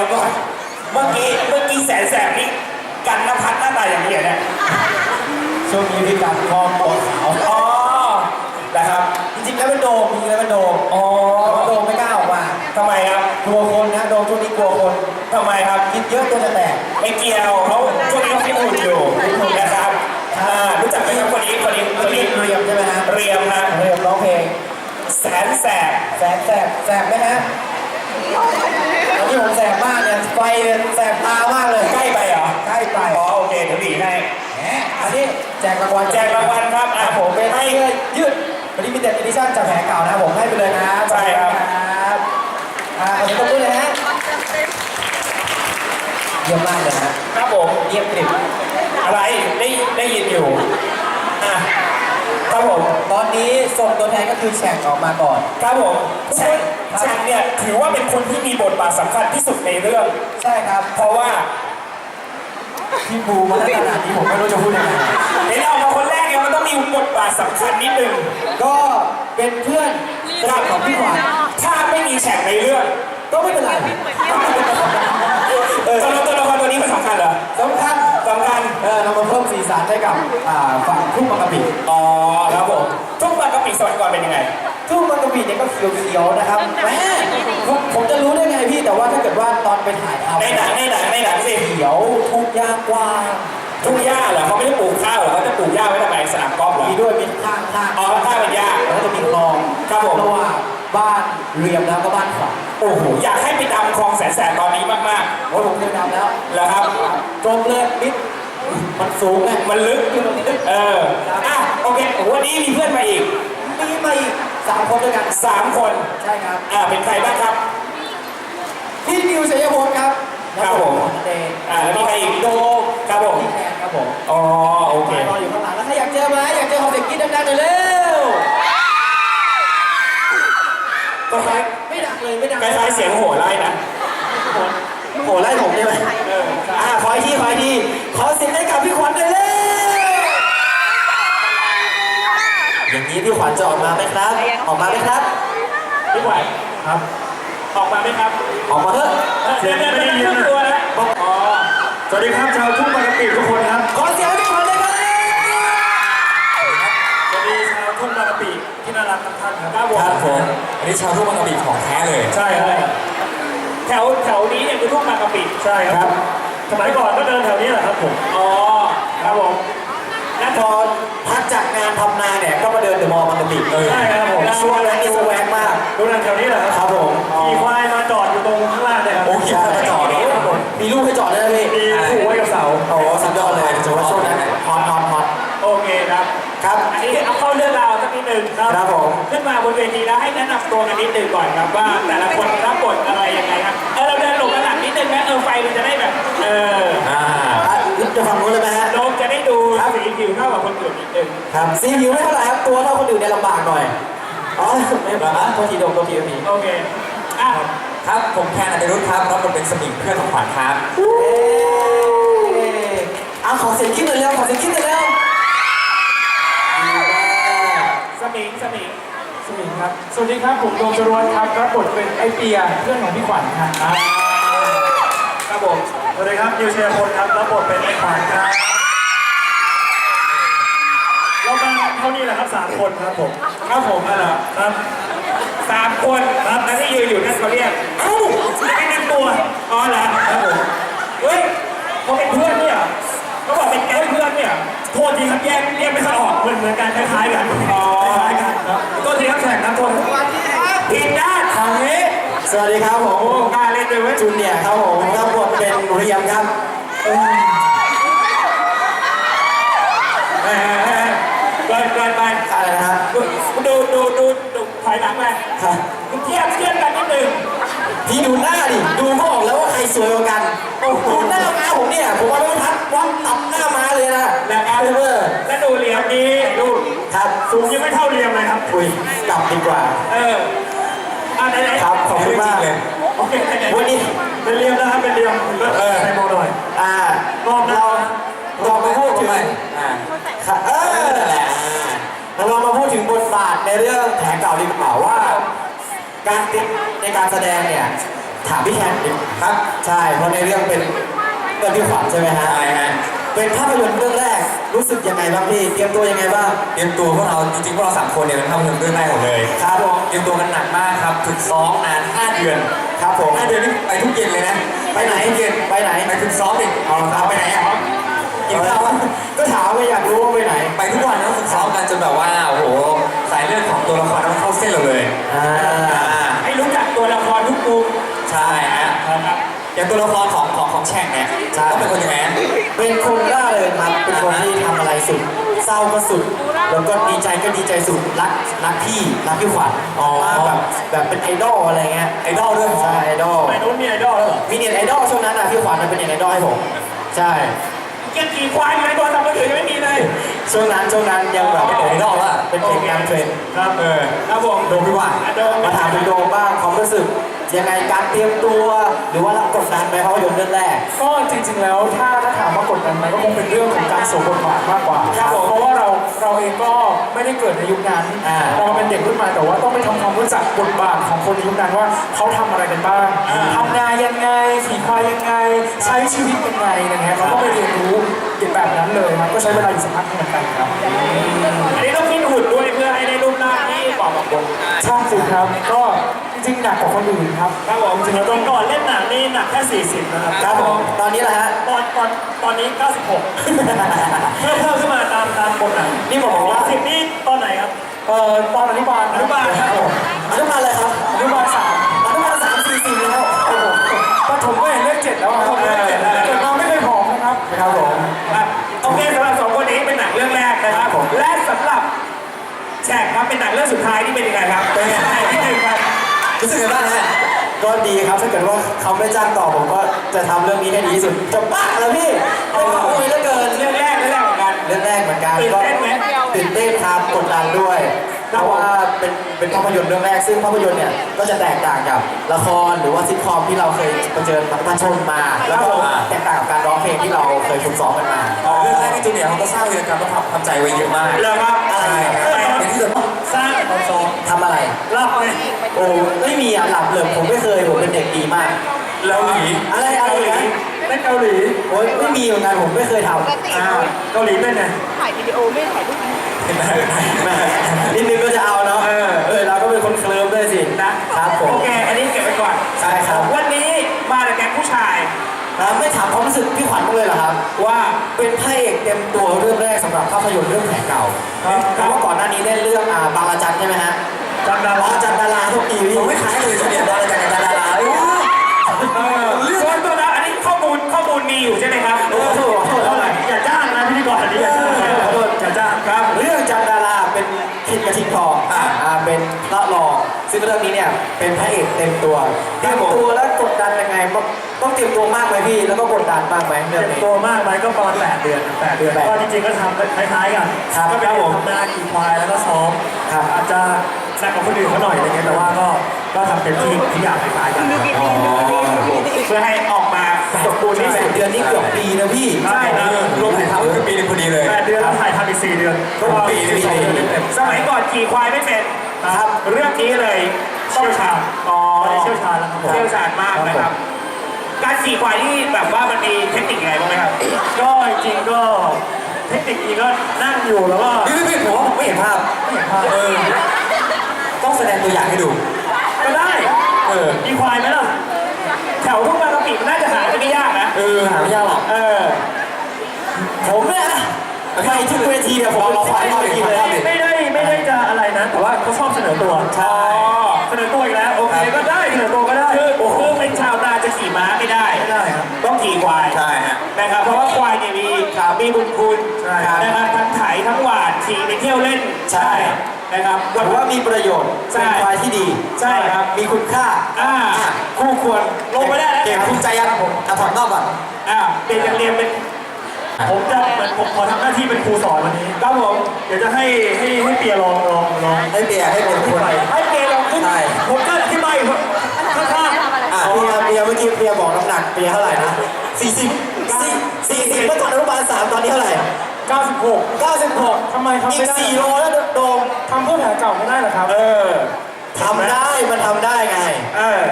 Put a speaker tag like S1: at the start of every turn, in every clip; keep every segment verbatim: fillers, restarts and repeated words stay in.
S1: ยวก่อนเมื่อกี้เมื่อกี้แสนแสบนี่กันนภัทรหน้าตาอย่างนี้เนี่ย
S2: ช่วงนี้พี่กันคอมตัวขาว
S1: อ๋อนะครับ
S2: จริงๆแล้วเป็นโดมจริงๆแล้วเป็นโดม
S1: อ๋อ
S2: โดมไม่กล้าออกมา
S1: ทำไมครับ
S2: กลัวคนนะโดมช่วงนี้กลัวคน
S1: ทำไมครับ
S2: คิดเยอะตัวจะแตก
S1: ไม่เกี่ยวเขาช่วงนี้เขาฟิตหุ่นอยู่นะครับรู้จักไหมครับคนนี้คนนี้คนนี้
S2: เรียมใช่ไหมฮะ
S1: เรียมฮะ
S2: เรียมร้องเพลง
S1: แสนแสบ
S2: แสบแสบแสบไหมฮะตอนที่ผมแสบมากเนี่ยไฟเนี่ยแสบตามากเลย
S1: ใกล้ไปเหรอ
S2: ใกล้ไป
S1: อ๋อโอเคเดี๋ยวบีให้
S2: อันนี้แจกรางวัล
S1: แจกรางวัลครับอ่ะ
S2: ผมเป็นให้ยืดวันนี้มีเด็ดอีดิชั่นจากแผลเก่านะผมให้ไปเลยนะ
S1: ใช่ครับ
S2: อ่าขอบคุณด้วยนะฮะเยี่ยมมากเลยนะครับ
S1: ผม
S2: เยี่ยมกริบ
S1: อะไรได้ได้ยินอยู่อ่ะครับผม
S2: ตอนนี้ส่งตัวแทนก็คือแฉกออกมาก่อน
S1: ครับผมแฉกแฉกเนี่ยถือว่าเป็นคนที่มีบทบาทสำคัญที่สุดในเรื่อง
S2: ใช่ครับ
S1: เพราะว่า
S2: พี่บูมาขนาดนี้ผมไม่รู้จะพูดยังไง
S1: เดี๋ยวออกมาคนแรกเนี่ยมันต้องมีบทบาทสำคัญนิดนึง
S2: ก็เป็นเพื่อนสนิทของพี่ขวัญ
S1: ถ้าไม่มีแฉกในเรื่อง
S2: ก็ไม่เป็นไร
S1: เออตัวตัวละครตัวนี้มันสำคัญเหรอ
S2: สำคัญ
S1: สำคัญ
S2: เออเรามาเพิ่มสีสันให้กับฝั่งทุ่งบางกะปิ
S1: อ๋อครับผมทุ่งบางกะปิสมัยก่อนเป็นยังไง
S2: ทุ่งบางกะปิเนี่ยก็เขียวๆนะครับแม่ผมจะรู้ได้ไงพี่แต่ว่าถ้าเกิดว่าตอนไปถ่ายทำ
S1: ในหนังในหนังในหนังสิ
S2: เขียวทุ่งหญ้ากว้าง
S1: ทุ่งหญ้าเหรอเขาไม่ได้ปลูกข้าวเหรอเขาจะปลูกหญ้าไว้ทำไมสนามกอล์ฟเหรอ
S2: มีด้วยมีข้างข้าง
S1: อ๋อข้างเป็นหญ้า
S2: แล้วจะมีคลอง
S1: ครับผม
S2: ระหว่างบ้านเรียมแล้วก็บ้านขวัญ
S1: โอ้โหอยากให้ไปดำคลองแสนแสบตอนนี้มาก
S2: ๆโอ้ผมเคยดำแล้ว
S1: เหรอครับ
S2: ตรงเลยนิดมันสูงไง
S1: มันลึกเอออ่ะโอเควันนี้มีเพื่อนมาอีก
S2: มีมาอีกสามคนด้วยกัน
S1: สามคน
S2: ใช่ครับ
S1: อ่าเป็นใครบ้างครับ
S2: พี่นิวชัยพลครับ
S1: ครับผมอ่าแล้วมีใครอีก
S2: โด
S1: ครับผม
S2: พี่แทนครับผม
S1: อ๋อโอเค
S2: รออยู่ข้างหลังแล้วถ้าอยากเจอไหมอยากเจอของเด็กกินดังๆหน่อยเร็ว
S1: ก็คล้าย
S2: ไม่ดังเลยไม่ดัง
S1: คล้ายๆเสียงโห่ไล่นะ
S2: โห่ไล่ผมใช่ไหมอ่าขออีกทีขออีกทีขอเสียงให้กับพี่ขวัญหน่อยเร็วอย่างนี้พี่ขวัญจะออกมาไหมครับออกมาไหมครับ
S1: พี่ขวัญ
S2: ครับ
S1: ออกมาไหมครับ
S2: ออกมาเถอะ
S1: เสียงไม่ได้ยินตัวนะอ๋อ
S2: สวัสดีครับชาวทุ่งบางกะปิทุกคนครับขอเสียงให้พี่ขวัญเลยครับ
S1: สวัสดีชาวทุ่งบางกะปิที่น่ารักทุกท่านครับ
S2: ครับผมอันนี้ชาวทุ่งบางกะปิของแท้เลย
S1: ใช่ครับแถวแถวนี้เนี่ยคือทุ่งบางกะปิ
S2: ใช่ครับ
S1: สมัยก่อนก็เดินแถวนี้แหละครับผมอ๋อครับผม
S2: แล้วพอพักจากงานทำนาเนี่ยก็มาเดินเดอะมอลล์บางกะปิ
S1: ใช่ครับผม
S2: ช่วงนั้นนี่สแวกมาก
S1: ดูนั่นแถวนี้แหละ
S2: ครับผม
S1: ขี่ควายมาจอดอยู่ตรงข้างล่างเนี่ยครับ
S2: โอ้ขี่ควายมาจอดมีลูกให้จอดได้ไหม
S1: มีผูกไว้กับเสา
S2: โอ้สุดยอดเลยถือว่าช่วงนั้นฮอตฮอตฮอต
S1: โอเคครับ
S2: ครับ
S1: อันนี้เอาเข้าเรื่องราวสักนิดหนึ่ง
S2: ครับผม
S1: ขึ้นมาบนเวทีแล้วให้แนะนำตัวกันนิดหนึ่งก่อนครับว่าแต่ละคนรับบทอะไรยังไงครับเออเราเดินหลบกันหลังนิดนึงนะเออไฟมันจะได้แบบเออ
S2: อ่าจะฟังรู้เลยไหมฮะ
S1: ลมจะได้ดูสีผิวเท่ากับคนอื่นนิดนึง
S2: ครับสีผิวไม่เท่าไหร่ครับตัวเท่าคนอื่นเนี่ยลำบากหน่อยอ๋อไม่ลำบากตัวทีโดมตัวทีตัวที
S1: โอเคอ่ะ
S2: ครับผมแคนอดิรุธครับรับบทเป็นสมิงเพื่อนของขวัญครับเอาขอเสียงคิดหน่อยเร็วขอเสียงคิดหน่อยเร็ว
S1: สมิงสมิง
S2: สมิงครับสวัสดีครับผมโดมจรวดครับรับบทเป็นไอเปียเพื่อนของพี่ขวัญครับ
S1: ครับผม
S2: สวัสดีครับนิวเชียร์พลครับรับบทเป็นไอขวัญครับ
S1: เรามาเท่านี้แหละครับสามคนครับผมครับผมนั่นแหละครับสามคนครับแล้วที่ยืนอยู่นั่นเขาเรียกเอ้าไม่แนะนำตัวอ๋อเหรอครับผมเฮ้ยเขาเป็นเพื่อนเนี่ยเขาบอกเป็นแก๊งเพื่อนเนี่ยโทษทีครับแยกแยกไม่ค่อยออกเหมือนเหมือนกันคล้ายๆกันอ๋อคล้ายกันครับตัวทีครับแข่งนะตัวสวัสดีครับทีมด้านทางนี้
S2: สวัสดีครับผม
S1: กล้าเล่นด้วยไหม
S2: จูเนียร์ครับผมรับบทเป็นเรียมครับ
S1: เกินเกินไป
S2: อะไรนะฮะ
S1: ดูดูดูดูถอยหลังไปเทียบเทียบกันนิดนึง
S2: พี่ดูหน้าดิดูก็ออกแล้วว่าใครสวยกว่ากันดูหน้าม้าผมเนี่ยผมว่าไม่ทัดวัดตับหน้าม้าเลยนะ
S1: แล้วเออแล้วดูเหลี่ยมนี้ดู
S2: ครับ
S1: สูงยังไม่เท่าเหลี่ยมเลยครับ
S2: คุยกลับดีกว่า
S1: เอออ่าไหนไหน
S2: ครับขอบคุณมากเลย
S1: โอเค
S2: วันนี้
S1: เป็นเหลี่ยมนะครับเป็นเหลี่ยมเออใส่โมหน่อย
S2: อ่า
S1: ลองเรา
S2: ลองมาพูดถึงอ่าเออนั่นแหละเรามาพูดถึงบทบาทในเรื่องแผลเก่าดีกว่าว่าการติดในการแสดงเนี่ยถามพี่แคนดิครับ ใช่เพราะในเรื่องเป็นเรื่องพี่ขวัญใช่ไหมฮะ
S3: ใช่ฮะ
S2: เป็นภาพยนตร์เรื่องแรกรู้สึกยังไงบ้างพี่เตรียมตัวยังไงบ้าง
S3: เตรียมตัวพวกเราจริงๆพวกเราสามคนเนี่ยเป็นภาพยนตร์เรื่องแรกหมดเลย
S2: ครับผม
S3: เตรียมตัวกันหนักมากครับฝึกซ้อมนานห้าเดือน
S2: ครับผม
S3: ห้าเดือนนี่ไปทุกเย็นเลยนะ
S2: ไปไหน
S3: ทุกเย็น
S2: ไปไหน
S3: ไปฝึกซ้อมอีก
S2: อ๋อครับ
S3: ไปไหนอ่ะกินข้าวอะ
S2: ก็ถามว่าอยากรู้ว่าไปไหน
S3: ไปทุกวันนะฝึกซ้อมกันจนแบบว่าโอ้โหสายเลือดของตัวละครมันเข้าเส้นเราเลย
S2: อ่า
S3: อ่า
S1: ให้รู้จักตัวละครทุกมุม
S3: ใช่ฮะ
S1: นะครับ
S3: อย่างตัวละครของของของแช่งเนี่ยต้องเป็นคนยังไงฮะ
S2: เป็นคนร่าเริงครับเป็นคนที่ทำอะไรสุด เศร้าก็สุด แล้วก็ดีใจก็ดีใจสุดรักรักพี่รักพี่ขวัญมากแบบแบบเป็นไอดอลอะไรเงี้ย
S3: ไอดอลด้วย
S2: ใช่ไอดอล
S1: ไปนู้นมีไอดอลแล้วเหรอ
S2: มีเน็ตไอดอลช่วงนั้นนะพี่ขวัญมันเป็นเน็ตไอดอลให้ผมใช่
S1: เกียร์ขี่ควายอยู่ในตัวทำมือถือยังไม่มีเลย
S2: ช่วงนั้นช่วงนั้นยังแบบ
S3: เป็นไอดอลละ
S2: เป็นเพลงนำเทรนด์
S1: ครับเออครับผม
S3: โดมพี่ว่า
S1: อ่ะโดม
S2: มาถามคุณโดมบ้างความรู้สึกยังไงการเตรียมตัว หรือว่ารับกดดันไหมภาพยนตร์เรื่องแรก
S4: ก็จริงๆ แล้วถ้าถ้าถามว่ากดดันไหมก็คงเป็นเรื่องของการสวมบทบาทมากกว่า
S2: ครับผม
S4: เพราะว่าเราเราเองก็ไม่ได้เกิดในยุคนั้น
S2: อ่า
S4: เราเป็นเด็กรุ่นใหม่แต่ว่าต้องไปทำความรู้จักบทบาทของคนในยุคนั้นว่าเขาทำอะไรกันบ้างทำนายังไงขี่ควายยังไง ใช้ชีวิตยังไงอะไรเงี้ยเขาก็ไปเรียนรู้แบบนั้นเลยครับก็ใช้เวลาอยู่สักพักหนึ่งเหมือนกันครับ
S1: อันนี้ต้องฟิตหุ่นด้วยเพื่อให้ได้รูปร่างที่เหมาะกับผม
S4: ช่างสิครับก็จริงๆหนักกว่าคนอื่นครับ
S1: ครับผมจริงๆตอนก่อนเล่นหนังนี่หนักแค่สี่สิบนะครับ
S2: ครับผมตอนนี้แหละฮะ
S1: ตอนตอนตอนนี้เก้าสิบหกเพิ่มเพิ่มขึ้นมาตามตามบทหนัง
S2: นี่บอกว่า
S1: สิบนี่ตอนไหนครับ
S4: เอ่อตอนอนุบาล
S1: อนุบาลครับผม
S2: อนุบาลเลยครับ
S4: อนุบาลสาม
S2: อนุบาลสามสี่สี่แล้วโอ้โห
S4: ปฐมก็เห็นเลขเจ็ดแล้วครับเกิดมาไม่เคยผอมนะครับ
S2: ครับผม
S1: อ่ะโอเคสำหรับสองคนนี้เป็นหนังเรื่องแรกนะครับผมและสำหรับแฉกครับเป็นหนังเรื่องสุดท้ายที่เป็นยังไงครับเป็นยังไงที่หนึ่งครับ
S3: รู้สึกยังไงบ้างฮะ
S2: ก็ดีครับถ้าเกิดว่าเขาไม่จ้างต่อผมก็จะทำเรื่องนี้ให้ดีที่สุดจะบ้าแล้วพี่โอ้โหเหลือเกิน
S1: เรื่องแรกเรื่องแรกเหมือนกัน
S2: เรื่องแรกเหมือนกัน
S1: ตื่น
S2: ก็
S1: เต้นไหม
S2: ตื่นเต้นครับกดดันด้วยเพราะว่าเป็นเป็นภาพยนตร์เรื่องแรกซึ่งภาพยนตร์เนี่ยก็จะแตกต่างกับละครหรือว่าซิทคอมที่เราเคยเผชิญประชนมา แล้วก็แตกต่างกับการร้องเพลงที่เราเคยฝึกซ้อมกันมา
S3: เรื่องแรกที่จูเนียร์เขาก็สร้างวีรกรรมและความทำใจไว้เยอะมาก
S1: เรื่องครับ
S2: อะไร
S3: ใช่ครับเป็นที่สุด
S1: สร้างความทรง
S2: ทำอะไร
S1: เล่าเลย
S2: โอ้ไม่มีอ่ะหลับเลยผมไม่เคยผมเป็นเด็กดีมาก
S3: แล้วหนี
S2: อะไรอะไร
S1: เกาหลี
S2: นะ
S1: เล่นเกาหลี
S2: โอ้ยไม่มีเหมือนกันผมไม่เคยทำ
S5: ปกติ
S1: อ่าเกาหลีเป็นไง
S5: ถ่ายวิดีโอไม่ถ่ายรูป
S3: เห็นไหม
S2: แม่นิดนึงก็จะเอาเนาะ
S1: เออ
S2: เออเราก็เป็นคนเคลิ้มด้วยสิ
S1: นะครับ
S2: ผม
S1: โอเค อันนี้เก็บไว้ก่อน
S2: ใช่ครับ
S1: วันนี้มาจากแก๊งผู้ชาย
S2: แล้วไม่ถามความรู้สึกพี่ขวัญบ้างเลยเหรอครับ
S1: ว่า
S2: เป็นพระเอกเต็มตัวเรื่องแรกสำหรับภาพยนตร์เรื่องแผลเก่า
S1: ครับ
S2: เพราะว่าก่อนหน้านี้เล่นเรื่องอ่าบางระจันใช่ไหมฮะ
S1: จำดา
S2: บา
S1: รา
S2: งระจันดาราทุกปีพี่
S3: ผมไม่คล้ายเลยจูเนียร์ดาราจากดาราเอ้ย
S1: เออส่วนตัวนะอันนี้ข้อมูลข้อมูลมีอยู่ใช่ไหมครับ
S2: โอ้โห
S1: เท่าไหร่อย่าจ้างนะพิธีกรอันนี้อย่าจ้างนะอย่าจ้างครับ
S2: เรื่องจันดาราเป็นคิดกระทิงทองอ่าอ่าเป็นพระรองซึ่งเรื่องนี้เนี่ยเป็นพระเอกเต็มตัวเต็มตัวแล้วกดดันยังไงต้องต้องเตรียมตัวมากไหมพี่แล้วก็กดดันมากไหมเรื่องนี้
S1: โตมากไหมก็ประมาณแปดเดือนแปดเดือน
S2: แปด
S1: ก็จริงๆก็ทำคล้ายๆกัน
S2: ครับ
S1: ก็เป็นผมทำนาขี่ควายแล้วก็ซ้อม
S2: ครับ
S1: อาจจะหนักกว่าคนอื่นเขาหน่อยอะไรเงี้ยแต่ว่าก็ก็ทำเต็มที่ทุกอย่างคล้ายๆกัน
S5: ดูดีดีดูดี
S1: เพื่อให้ออกมาสมบูรณ์ที่
S2: แป
S1: สุ
S2: ด
S1: ด
S2: เดือนนี่เกือบปีนะพี่
S1: ใช่นะ
S3: รวมถ่ายทำก็คือปีหนึงพอดีเลย
S1: แปดเดือนแล้วถ่ายทำอีกสี่เดือนก็
S3: ปีหนึ่ง
S1: สองเดือนเต็มๆสมัยก่อนขี่ควายไม่เป็นครับเรื่องนี้เลยเชี่ยวชาญอ๋อเชี่ยวชาญแล้วครับผมเชี่ยวชาญมากนะครับ การขี่ควายที่แบบว่ามันมีเทคนิคยังไงบ้างไหมครับ ก็จริงก็เทคนิคจริงก็นั่งอยู่แล้วก็
S3: พี่พี่ผมว่าผมไม่เห็นภาพ
S1: ไม่เห็นภาพ
S3: เออต้องแสดงตัวอย่างให้ดู
S1: ก็ได้
S3: เออ
S1: มีควายไหมล่ะแถวทุ่งบางกะปิมันน่าจะหาได้ไม่ยากนะ
S3: เออหาไม่ยากหรอก
S1: เออ
S2: ผมเนี่ยนะไปทุกเวทีเนี่ยผมรอควายเข้าเวทีเลยครับ
S1: ไม่ได้ไม่ได้จะอะไรนะ แต่ว่าเขาชอบเสนอตัว
S2: ใช่
S1: เสนอตัวอีกแล้วโอเคก็ได้เสนอตัวก็ได้คือคือเป็นชาวนาจะขี่ม้าไม่ได้ไม่ได้ครับต้องขี่ควาย
S3: ใช่ฮะ
S1: นะครับเพราะว่าควายเนี่ยมีขามีบุญคุณ
S2: ใช่ครับ
S1: นะครับทั้งไถทั้งหวานขี่ไปเที่ยวเล่น
S2: ใช่
S1: นะครับ
S2: ถือว่ามีประโยชน์
S1: ใช่
S2: เป็นควายที่ดี
S1: ใช่ครับ
S2: มีคุณค่า
S1: อ่าคู่ควรลงไปได้แล้ว
S2: เก่ง
S1: ครับ
S2: ภูมิใจยังผมอ่ะถอดนอกก่อน
S1: อ่าเปลี่ยนจากเรียนเป็นผมจะเหมือนผมขอทำหน้าที่เป็นครูสอนวันนี้ครับผมเดี๋ยวจะให้ให้ให้เปียลองลองลอง
S2: ให้เปียให้เป็น
S1: ขึ้
S2: คน น
S1: ไปให้เปียลองขึ้น
S2: ใช่
S1: ผมก็อธิบายอยู่ข้าง
S2: อ่ะเปียเปียเมื่อกี้เปียบอกน้ำหนักเปียเท่าไหร่นะสี่สิบสี่สิบเมื่อก่อนอนุบาลสามตอนนี้เท่าไหร่
S4: เก้าสิบหก
S2: เก้าสิบหก
S4: ทำไมทำ
S2: อี
S4: ไม่
S2: ก
S4: ได้
S2: สี่โลแล้วโดม
S4: ทำเพื่อแผลเก่าไม่ได้เหรอครับ
S1: ๆเออ
S2: ทำได้มันทำได้ไง
S1: เออ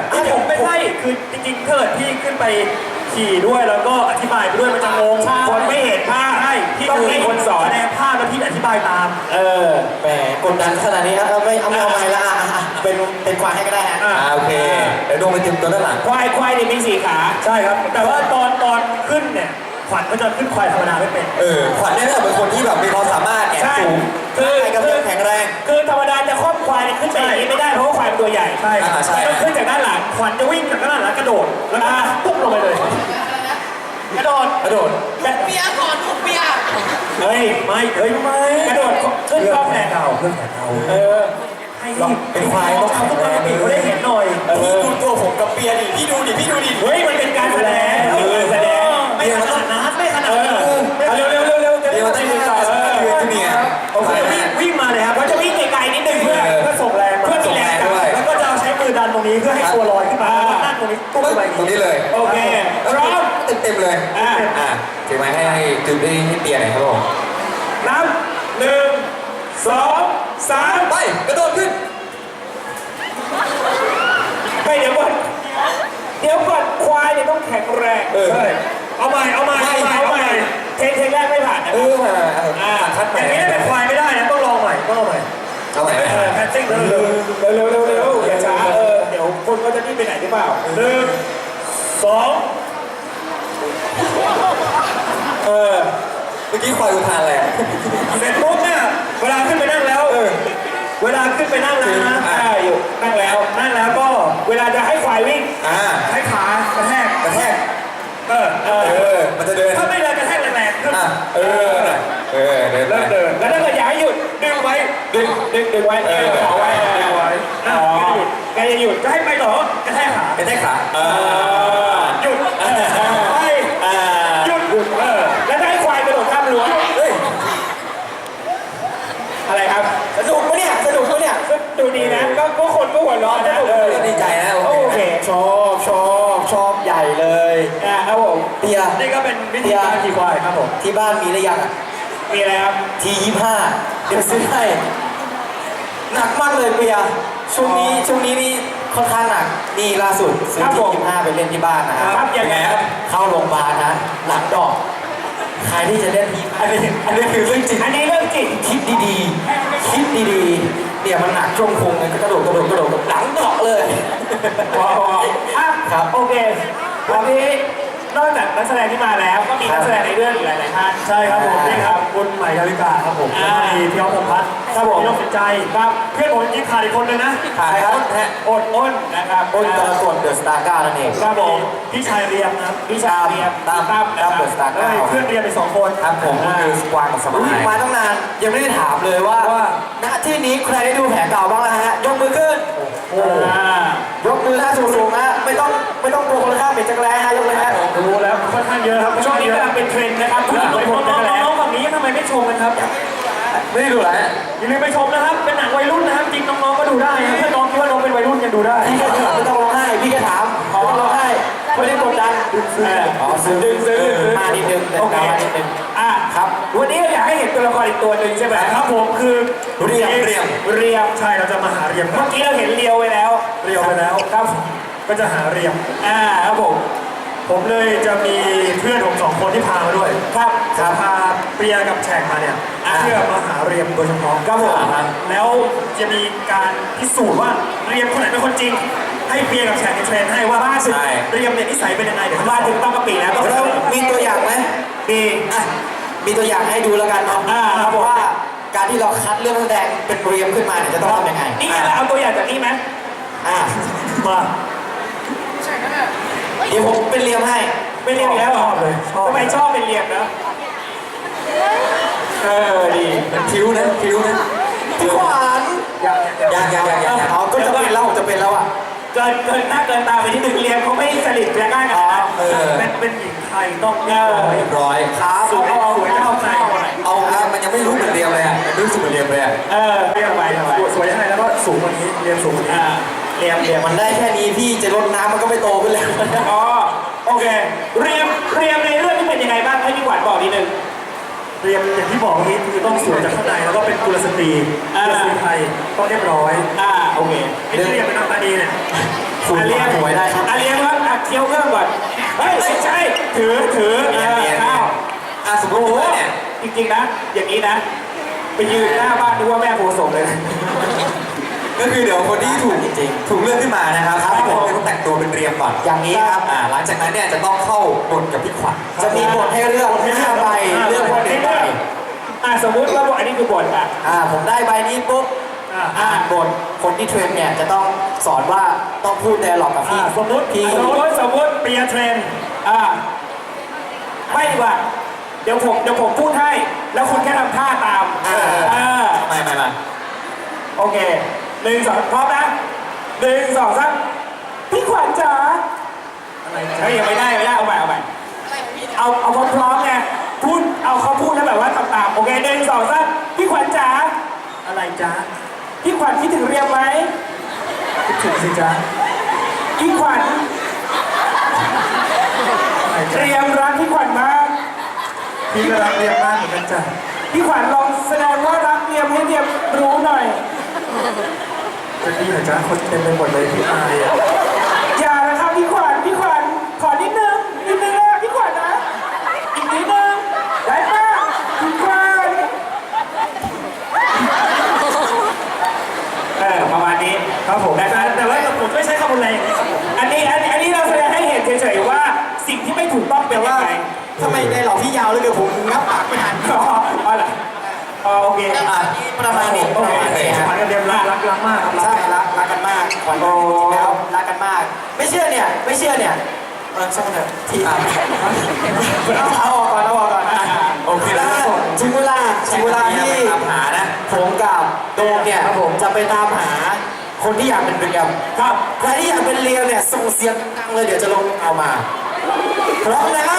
S1: อ่ะผมไม่ใช่คือจริงๆเกิดพี่ขึ้นไปขี่ด้วยแล้วก็อธิบายไปด้วยมันจะงงคนไม่เห็นภาพใช่พี่ต้องมีคนสอนแสดงภาพแล้วพี่อธิบายตาม
S2: เออแหมกดดันขนาดนี้ครับเอาไม่เอาไม่เอาไม่ละอ่ะอ่ะอ่ะเป็นเป็นควายให้ก็ได้ฮะ
S1: อ่ะ
S3: อ่าโอเคเดี๋ยวดวงไปถึงตัวด้านหลัง
S1: ควายควายเนี่ยมีสี่ขาใช่ครับ แต่ว่าตอนตอนขึ้นเนี่ยขวัญก็จะขึ้นควายธรรมดาไม่เป็น
S3: เออขวัญเนี่ยน่าจะเป็นคนที่แบบมีความสามารถแอบ
S1: ใช่
S3: สูง
S1: คือ
S3: ร่างกายกำลังแข็งแรง
S1: คือธรรมดาจะครอบควายเนี่ยขึ้นไปอย่างนี้ไม่ได้เพราะว่าควายมันตัวใหญ่ใช่
S3: อ่าใช่
S1: ต้องขึ้นจากด้านหลังขวัญจะวิ่งจากด้านหลังแล้วกระโดดแล้วก็ปุ๊บลงไปเลย กระโดด
S3: กระโดด
S5: เปียก่อนลูกเปีย
S1: เฮ้ยไม่เฮ้ยไม่กระโดดขึ้นกล้องแหนเก่า
S3: เพื่อนแข่งเรา
S1: เออให้
S3: เป็นควายต้อง
S1: ทำทุกคนปิดเขาได้เห็นหน่อย
S3: พี่ดูตัวผมกับเปียดิพี่ดูดิพี่ดูดิ
S1: เฮ้ยมันเป็นการแสดงเออแสดงไม่ขนาดนั้นไม่ขนาดนั้นเร็วเร็วเร็วเร็วจะ
S3: เดี๋ยว
S1: ได้
S3: จะ
S1: ต่
S3: มี
S1: อ
S3: ต่อ
S1: เอ
S3: เดือน
S1: อ
S3: จูเนียร์
S1: โอเควิ่งวิ่งมาเลยครับเขาจะวิ่งไกลๆนิดนึงเพื่อเพื่อส่งแรงเพื่อมีแรงแล้วก็จะเอาใช้มือดันตรงนี้เพื่อให้ตัวลอยขึ้นมาแล้วนั่งตรงนี้ตุ้มไป
S3: ตรงนี้เลย
S1: โอเคพร้อม
S3: เต็มเต็มๆเลย
S1: อ่ะ
S3: อ่ะถือไม้ให้ให้จุดได้ให้เปียหน่อยครับผม
S1: นับหนึ่งสองสาม
S3: ไปกระโดดขึ้น
S1: ไปเดี๋ยวก่อนเดี๋ยวก่อนควายเนี่ยต้องแข็งแรง
S3: เออ
S1: ใช่เอาใหม่เอาใหม่เอาใหม่เอาใหม่เทคเทคแรกไม่ผ่านนะ
S3: เออมา
S1: อ่า
S3: คัด
S1: อ
S3: ใหม่
S1: ย่างนี้เป็นควายไม่ได้นะต้องลองใหม่ต้องลองใหม่
S3: เอาใหม่
S1: เออแพทซิ่งเร็วเร็วเร็วเร็วเร็วอย่าช้าเออเดี๋ยวคนก็จะรีบไปไหนหรือเปล่าหนึ่งสองเออ
S3: เมื่อกี้ควายอุทานอะไร
S1: เสร็จปุ๊บเนี่ยเวลาขึ้นไปนั่งแล้วเออเวลาขึ้นไปนั่งแล้วนะอ่าอยู่นั่งแล้วนั่งแล้วก็เวลาจะให้ควายวิ่ง
S3: อ่า
S1: ใช้ขากระแทก
S3: กระแทก
S1: เออเออ
S3: เออมันจะเดิน
S1: ถ้าไม่เดินกระแทกแรงๆขึ้น
S3: อ่ะเออเออเดิน
S1: เริ่มเดินแล้วถ้าเกิดอยากให้หยุดดึงไว้ดึงดึงดึงไว้เออขอไว้ดึงไว้อ๋อแกจะหยุดจะให้ไปต่อกระแทกขาก
S3: ระแทกขาเออ
S1: หยุดเออไป
S3: อ่า
S1: หยุดหยุดเออแล้วถ้าให้ควายกระโดดข้ามรั้ว
S3: เฮ้ย
S1: อะไรครับสนุกปะเนี่ยสนุกปะเนี่ยก็ดูดีนะก็ก็คนก็หัวเร้อนนะเออ
S3: ดีใจนะ
S1: โอเค
S2: ชอบชอบชอบใหญ่เลย
S1: นะครับผม
S2: เปีย
S1: นี่ก็เป็นวิธีการขี่ควายครับผม
S2: ที่บ้านมีหรือยังอ่ะ
S1: มีอะไรครับ
S2: ทียี่ห้าเดี๋ยวซื้อให้หนักมากเลยเปียช่วงนี้ช่วงนี้นี่ค่อนข้างหนักนี่ล่าสุดซื้อทียี่ห้าไปเล่นที่บ้านนะค
S1: ค
S2: รั
S1: รั
S2: บบ
S1: ยังไงครับ
S2: เข้าโรงพยาบาลนะหลังดอกใครที่จะเล่นทีอันนี้อันนี้คือเรื่องจริง
S1: อันนี้เรื่องจริง
S2: คิดดีๆ คิดดีๆ เนี่ยมันหนักช่วงโคงเลยก็กระโดดกระโดดกระโดดหลังเกาะเลย
S1: พอพออ่ะ
S2: ครับ
S1: โอเควันนี้นอกจากนักแสดงที่มาแล้วก็มีนักแสดงในเรื่องอีกหลายๆท่านใช่ครับผมนี่ครับคุณใหม่ดาวิกาครับผมแล้วก็มีพี่อ๊อฟพงษ์พัฒน์ครับผมพี่น้องสินใจครับเพื่อนผมจริงขาดอีกคนนึงนะ
S2: ขาดใครครับ
S1: อดอ้นนะครับ
S2: อ้นกรกฎเดอะสตาร์ก้านั่นเอง
S1: ครับผมพี่ชายเรียมนะครับพี่ชายเรียม
S2: ตาม
S1: ตั้มนะค
S2: ตา
S1: รั
S2: ม
S1: บ
S2: เดอะสตาร์
S1: เอ้ย
S2: เก้า
S1: เพื่อนเรียนไปสองคน
S2: ครับผม
S1: อ่า
S2: คือสควานกับสมัยมาตั้งนานยังไม่ได้ถามเลยว่า
S1: ว่า
S2: ณที่นี้ใครได้ดูแผลเก่าบ้างแล้วฮะยกมือขึ้น
S1: โอ้
S2: ยกมือท่าสูงๆนะไม่ต้องไม่ต้องกลัวคนข้ามเป็นจักรแร้ฮะยกเลยฮะ
S1: ดูแล้วค่อนข้างเยอะครับช่วงนี้กำลังเป็นเทรนด์นะครับผู้หญิงวัยรุ่นน้องๆฝั่งนี้ทำไมไม่ชมกันครับ
S3: ไม่ได้ดูแล
S1: อย่าลืมไปชมนะครับเป็นหนังวัยรุ่นนะครับจริงน้องๆก็ดูได้นะถ้าน้องคิดว่าน้องเป็นวัยรุ่นยังดูได้
S2: พี่ก็ถามไม่ต้องร้องไห้พี่ก็ถามไม่ต้องร้องไห้ไม่ได้กดดัน
S1: เออ
S2: อ๋อซื้อ
S1: ดึงซื้อดึงซื้อ
S2: มานิดนึงแต่
S1: โอเค
S2: มานิดนึง
S1: อ่ะครับวันนี้เราอยากให้เห็นตัวละครอีกตัวหนึ่งใช่ไหมครับผมคือ
S3: เรียมเรียม
S1: เรียมใช่เราจะมาหาเรียมเมื่อกี้เราเห็นเรียวไปแล้วเรียวไปแล้วครับก็จะหาเรียมอ่าครับผมผมเลยจะมีเพื่อนผมสองคนที่พามาด้วยครับจะพาเปียกับแฉกมาเนี่ยเพื่อมาหาเรียมโดยเฉพาะครับผมแล้วจะมีการพิสูจน์ว่าเรียมคนไหนเป็นคนจริง ให้เปียกับแฉกเทรนให้ว่าบ้านสุดเรียมเนี่ยนิสัยเป็นยังไงเดี๋ยวมาถึงต้องกะปิแล้ว
S2: เรามีตัวอย่างไหม
S1: มี
S2: อ่ะมีตัวอย่างให้ดูแล้วกันเนาะ
S1: อ่าครับผม
S2: ว่าการที่เราคัดเรื่องนักแสดงเป็นเรียมขึ้นมาเนี่ยจะต้องทำยังไง
S1: นี่ไงเราเอาตัวอย่างจากนี่ไหม
S2: อ่า
S1: มา
S2: เดี๋ยวผมเป็นเรียมให้
S1: เป็นเรียมอีกแล้วเหรอทำไมชอบเป็นเรียมนะเออดี
S3: คิ้วนะคิ้วนะ
S2: พี่ขวัญ
S1: อยากอยาก
S3: ยังยังยังยัง
S2: อ๋อก็จะเป็นแล้วผมจะเป็นแล้วอ่ะ
S1: เกินเกินหน้าเกินตาไปที่หนึ่งเรียมเขาไม่สลิดจะง่ายกันนะเป็นเป็นหญิงไทยต้องเงา
S3: เรียบร้อย
S2: ครับ
S1: สวยสวยเข้าใจ
S3: เอาอ่ะมันยังไม่รู้เหมือนเรียมเลยอ่ะมันรู้สึกเหมือนเรียมเลยอ่ะ
S1: เออเรียมไปสวยยังไงแล้วก็สูงกว่านี้เรียมสูงกว่านี้เรียมเรียม
S2: มันได้แค่นี้พี่จะลดน้ำมันก็ไม่โตขึ้นแล้ว
S1: อ๋อโอเคเรียมเรียมในเรื่องนี้เป็นยังไงบ้างให้พี่ขวัญบอกนิดนึง เรียมอย่างที่บอกเมื่อกี้คือต้องสวยจากข้างในแล้วก็เป็นกุลสตรีกุลสตรีไทยต้องเรียบร้อยอ่าโอเคไอ้ที่เรียมเป็นน้ำตาดีเนี่ย
S2: คุณ
S1: อาเลียน
S2: หวยได้ครับ
S1: อาเลียนครับอ่ะเคี้ยวเครื่องก่อนเฮ้ยไม่ใช่ถือถือ
S3: เรียนเรียน
S1: ข้าว
S3: อ่ะสมม
S1: โอ้
S3: ติ
S1: โห
S3: ว่าเนี่ย
S1: จริงๆนะ อย่างนี้นะ ไปยืนหน้าบ้านดูว่าแม่โพส่งเลย
S3: ก็คือเดี๋ยวคนที่ถูก
S2: จริง
S3: ถูกเลือกขึ้นมานะครับ
S2: ครับ
S3: ให้ผมต้องแต่งตัวเป็นเรียมก่อน
S2: อย่างนี้ครับ
S3: อ่าหลังจากนั้นเนี่ยจะต้องเข้าบทกับพี่ขวัญ
S2: จะมีบทให้เลือกห้าใบเลือกบทหนึ่งใบ
S1: อ่ะสมมุติว่าบทอันนี้คือบทอ่ะ
S2: อ่าผมได้ใบนี้ปุ๊บ
S1: อ่า
S2: อ่านบทคนที่เทรนเนี่ยจะต้องสอนว่าต้องพูดไดอะล็อกกับพี่
S1: อ่าสมมุติ
S2: พี่
S1: สมมุติสมมุติเปียเทรนอ่าไม่ดีกว่าเดี๋ยวผมเดี๋ยวผมพูดให้ แล้วคุณแค่ทำท่าตาม
S2: อ่า
S1: อ่า
S3: ไม่ไม่ไม่
S1: โอเคหนึ่งสองพร้อมนะหนึ่งสองสามพี่ขวัญจ๋าอะไรจ๊ะเฮ้ยยังไม่ได้ไม่ได้เอาใหม่เอาใหม่เอาเอาพร้อมๆไงพูดเอาเขาพูดแล้วแบบว่าทำตามโอเคหนึ่งสองสามพี่ขวัญจ๋าอะไรจ๊ะพี่ขวัญคิดถึงเรียมไหมคิดถึงสิจ๊ะพี่ขวัญเรียมรักพี่ขวัญมากพี่ก็รักเรียมมากเหมือนกันจ้ะพี่ขวัญลองแสดงว่ารักเรียมให้เรียมรู้หน่อยจะดีเหรอจ๊ะคนเต็มไปหมดเลยพี่อายอ่ะอย่านะครับพี่ขวัญพี่ขวัญขอนิดนึงนิดนึงนะพี่ขวัญนะอีกนิดนึงได้ปะพี่ขวัญเออประมาณนี้ครับผมแต่แต่ว่าผมไม่ใช้คำรุนแรงอย่างนี้ครับผมอันนี้อันอันนี้เราแสดงให้เห็นเฉยๆว่าสิ่งที่ไม่ถูกต้องเป็นยังไง
S2: ทำไมได้หลอกพี่ยาวเลยเดี๋ยวผมงับปากไม่ทัน
S1: อ๋ออ๋อเหรออ๋อโอเค
S2: อ่ะประมาณนี้
S1: โอ
S2: ประ
S1: เค
S2: มาณนี้ครับ
S1: ขวัญกับเดียมรักรักรักมากครับ
S2: ใช่รักรักกันมากขวัญจริงๆแล้วรักกันมาก ไม่เชื่อเนี่ยไม่เชื่อเนี่ยเออช่างมันเถอะทีอ่ะเอาเอาออกก่อนเอาออกก่อนอ่ะ
S3: โอเค
S2: แล้
S3: แล้ว ว
S2: ถึงเวลาถึงเวลาที่
S3: ตามหานะ
S2: ผมกับโดมเนี่ยผมจะไปตามหาคนที่อยากเป็นเรียม
S1: ครับ
S2: ใครที่อยากเป็นเรียมเนี่ยส่งเสียงดังเลยเดี๋ยวจะลงเอามาพร้อมแล้ว